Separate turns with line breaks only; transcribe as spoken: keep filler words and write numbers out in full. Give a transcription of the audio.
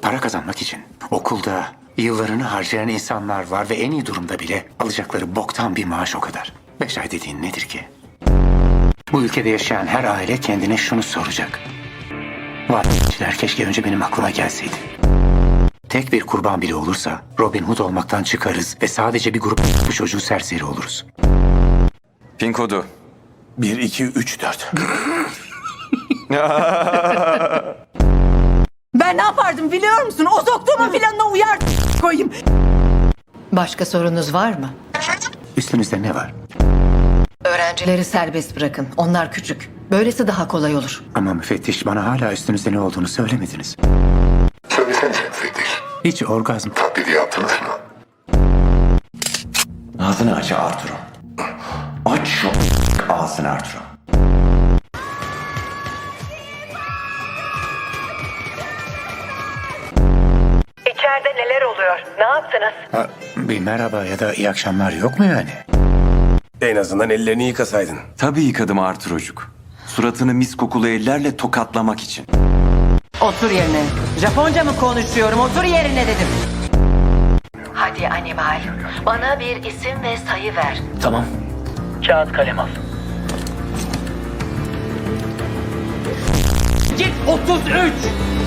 Para kazanmak için okulda yıllarını harcayan insanlar var ve en iyi durumda bile alacakları boktan bir maaş o kadar. Beş ay dediğin nedir ki? Bu ülkede yaşayan her aile kendine şunu soracak. Vaatçiler keşke önce benim aklıma gelseydi. Tek bir kurban bile olursa Robin Hood olmaktan çıkarız ve sadece bir grup bu çocuğu serseri oluruz.
Pin kodu.
Bir, iki, üç, dört.
Ben ne yapardım biliyor musun? O soktuğumun planına uyar koyayım.
Başka sorunuz var mı?
Üstünüzde ne var?
Öğrencileri serbest bırakın. Onlar küçük. Böylesi daha kolay olur.
Ama müfettiş bana hala üstünüzde ne olduğunu söylemediniz.
Söylesenize müfettiş.
Hiç orgazm.
Taklidi yaptınız mı?
Ağzını aç Arturo. Aç şu ağzını Arturo.
İçeride neler oluyor? Ne yaptınız?
Ha, bir merhaba ya da iyi akşamlar yok mu yani?
En azından ellerini yıkasaydın.
Tabii yıkadım Arturo'cuk. Suratını mis kokulu ellerle tokatlamak için.
Otur yerine. Japonca mı konuşuyorum? Otur yerine dedim.
Hadi animal. Bana bir isim ve sayı ver.
Tamam. Kağıt kalem al.
Git otuz üç.